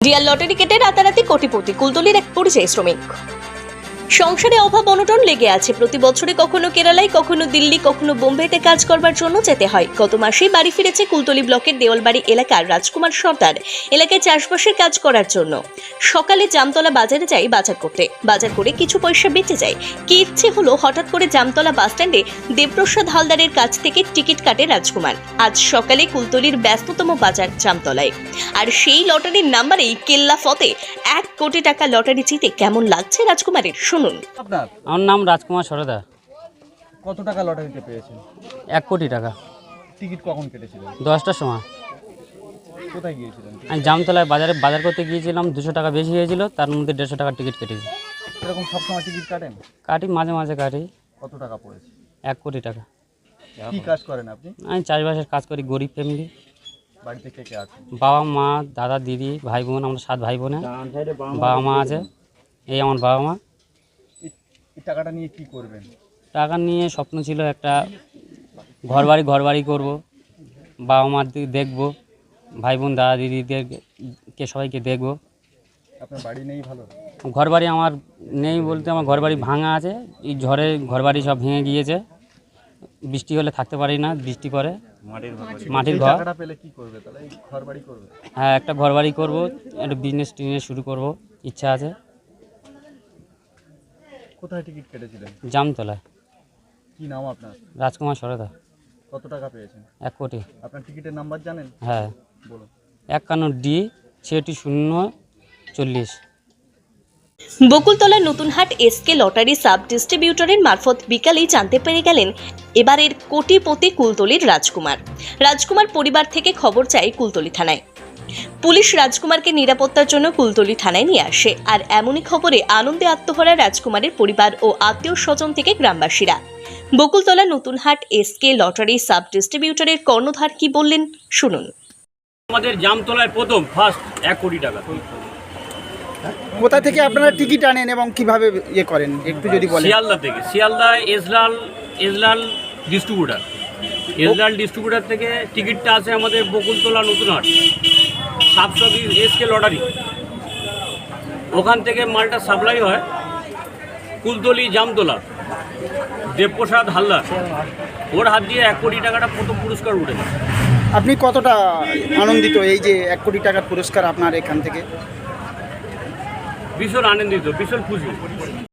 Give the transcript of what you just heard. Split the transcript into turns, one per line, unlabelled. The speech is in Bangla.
রিয়াল লটারি কেটে রাতারাতি কোটিপতি কুলতলির এক পরিযায়ী শ্রমিক। সংসারে অভাব অনটন লেগে আছে। প্রতি বছরে কখনো কেরালায়, কখনো দিল্লি, কখনো বোম্বেতে কাজ করবার জন্য যেতে হয়। গত মাসেই বাড়ি ফিরেছে কুলতলি ব্লকের দেওয়ালবাড়ি এলাকার রাজকুমার সর্দার। এলাকায় চাষবাসের কাজ করার জন্য সকালে জামতলা বাজারে যাই বাজার করতে। বাজার করে কিছু পয়সা বেঁচে যায়। কি ইচ্ছে হলো, হঠাৎ করে জামতলা বাসস্ট্যান্ডে দেবপ্রসাদ হালদারের কাছ থেকে টিকিট কাটে রাজকুমার। আজ সকালে কুলতলির ব্যস্ততম বাজার জামতলায়, আর সেই লটারির নাম্বারেই কেল্লা ফতে 1 কোটি টাকা লটারি জিতে কেমন লাগছে রাজকুমারের, শুনুন।
আপনার
আমার নাম রাজকুমার সরদার।
কত টাকা লটারিতে পেয়েছেন?
1 কোটি টাকা।
টিকিট কখন কেটেছিলেন?
10টার সময়।
কোথায় গিয়েছিলেন?
আমি জামতলায় বাজার করতে গিয়েছিলাম। 200 টাকা বেশি হয়েছিল, তার মধ্যে 150 টাকার টিকিট কেটেছি।
এরকম সবসময় টিকিট কাটেন?
কাটি, মাঝে মাঝে কাটি।
কত টাকা পড়েছে?
1 কোটি টাকা।
কি কাজ করেন আপনি?
আমি চাষবাসের কাজ করি, গরিব ফ্যামিলি।
বাড়িতে কে কে আছে?
বাবা মা, দাদা দিদি, ভাই বোন, আমরা 7 ভাই বোনে। বাবা মা আছে, এই আমার বাবা মা।
এই টাকাটা নিয়ে কি করবেন?
টাকা নিয়ে স্বপ্ন ছিল একটা ঘর বাড়ি করবো, বাবা মার দিকে দেখবো, ভাই বোন দাদা দিদিদেরকে সবাইকে দেখবো।
আপনার বাড়ি নেই? ভালো
ঘর বাড়ি আমার নেই বলতে, আমার ঘর বাড়ি ভাঙা আছে। এই ঝড়ে ঘর বাড়ি সব ভেঙে গিয়েছে। বৃষ্টি হলে থাকতে পারি না, বৃষ্টি পড়ে। মাটির
এই
ঘর।
টাকাটা পেলে কি করবে তাহলে? এই ঘর বাড়ি করবে?
হ্যাঁ, একটা ঘর বাড়ি করবো, একটা বিজনেস শুরু করব, ইচ্ছা আছে।
কোথায় টিকিট কেটেছিলেন?
জামতলায়।
কি নাম আপনার?
রাজকুমার সরদার।
কত টাকা পেয়েছেন?
1 কোটি।
আপনার টিকিটের নাম্বার জানেন?
হ্যাঁ,
বলুন।
51D 6640।
বকুলতলার নতুনহাট এসকে লটারি সাব ডিস্ট্রিবিউটরের মারফত বিকালেই জানতে পেরে গেলেন এবারের কোটিপতি কুলতলির রাজকুমার পরিবার থেকে খবর চায় কুলতলি থানায়। পুলিশ রাজকুমারকে নিরাপত্তার জন্য কুলতলি থানায় নিয়ে আসে। আর এমনই খবরে আনন্দে আত্মহারা রাজকুমারের পরিবার ও আত্মীয় স্বজন থেকে গ্রামবাসীরা। Bakultala Natunhat SK lottery sub ডিস্ট্রিবিউটরের কর্ণধার কি বললেন, শুনুন।
আমাদের জামতলায় প্রথম ফার্স্ট 1 কোটি টাকা।
কোথা থেকে আপনারা টিকিট আনেন এবং কিভাবে ইয়ে করেন একটু যদি বলেন?
শিয়ালদা থেকে, শিয়ালদা এজলাল ডিস্ট্রিবিউটার থেকে টিকিটটা আছে আমাদের Bakultala Natunhat sub SK lottery. ওখান থেকে মালটা সাপ্লাই হয় কুলতলি জামতলা দেবপ্রসাদ হালদার, ওর হাত দিয়ে 1 কোটি টাকাটা প্রথম পুরস্কার উঠেছে।
আপনি কতটা আনন্দিত এই যে 1 কোটি টাকার পুরস্কার আপনার এখান থেকে?
ভীষণ আনন্দিত, ভীষণ খুশি।